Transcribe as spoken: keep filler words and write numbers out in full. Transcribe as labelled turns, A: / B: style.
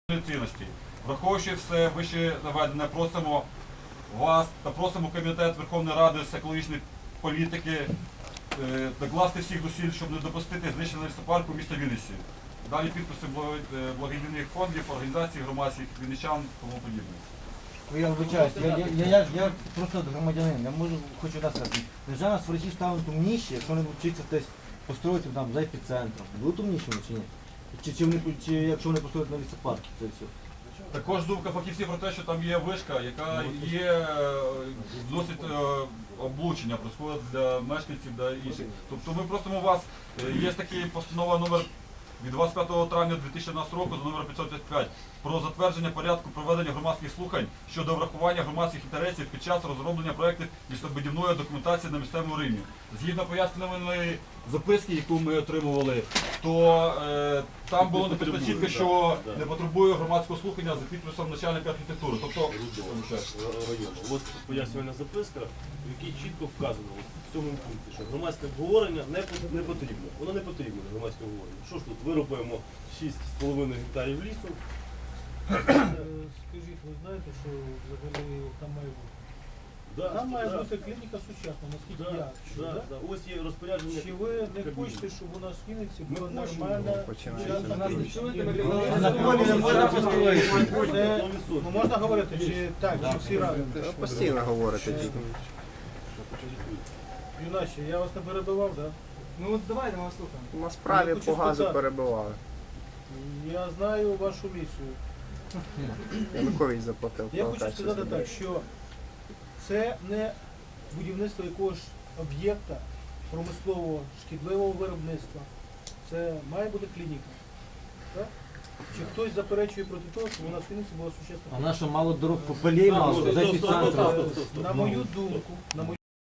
A: цінності. Враховуючи все вище наведене, просимо вас та просимо Комітет Верховної Ради з екологічної політики е, докласти всіх зусиль, щоб не допустити знищення лісопарку міста Вінниці. Далі підписи благодійних фондів, організацій, громадських, вінничан і тому подібне.
B: Я вибачаюсь, я, я, я, я, я просто громадянин, я можу, хочу раз сказати, державна сварачі стануть умніші, якщо вони вчаться десь построїти там за епіцентром. Будуть умнішими чи ні? Чи, чи, вони, чи якщо вони построять на лісопарки, це все.
A: Також думка фахівців про те, що там є вишка, яка є досить облучення, происходить для мешканців, для інших. Тобто ми просимо вас, є така постанова номер від двадцять п'ятого травня дві тисячі одинадцятого року за номером п'ятсот п'ятдесят п'ять про затвердження порядку проведення громадських слухань щодо врахування громадських інтересів під час розроблення проєктів містобудівної документації на місцевому рівні. Згідно пояснювальної записки, яку ми отримували, то е, там було написано чітко, що не потребує громадського слухання за підписом начальника архітектури. Тобто,
C: Ось пояснювальна записка, в якій чітко вказано в цьому пункті, що громадське обговорення не, не потрібно. Воно не потрібно, громадське обговорення. Що ж тут, вирубаємо шість з половиною гектарів лісу.
D: Скажіть, ви знаєте, що взагалі там має бути?
C: Да,
D: Там має
C: да,
D: бути клініка сучасна, наскільки
C: да,
D: я чую,
C: да,
D: да?
C: да. Ось є розпорядження.
D: Чи ви не
C: Кабміну.
D: хочете, щоб у нас в Вінниці
C: Ми
D: була
C: хочемо.
D: нормальна
B: Починається.
D: сучасна
B: Нас не
D: клініка?
B: чуєте, ми
D: Ні,
B: казали,
D: ну,
B: на
D: ну,
B: полі не
D: ну,
B: можна
D: ну,
B: построїти.
D: це, ну, можна говорити, чи так, чи всі разом?
E: Постійно говорите тільки.
D: Юначе, я вас не перебивав, так?
B: Ну от давайте ми вас слухаємо.
E: На справі
D: Я хочу
E: по газу
D: сказати.
E: перебивали.
D: Я знаю вашу місію.
E: Янукович заплатив.
D: Я хочу
E: платежі
D: сказати
E: за
D: так, що це не будівництво якогось об'єкта промислового шкідливого виробництва. Це має бути клініка. Так? Чи хтось заперечує проти того, щоб у нас в Вінниці була сучасна
B: А
D: клініка?
B: наша мало дорог по полей мало, за епіцентром.
D: На мою думку, на мою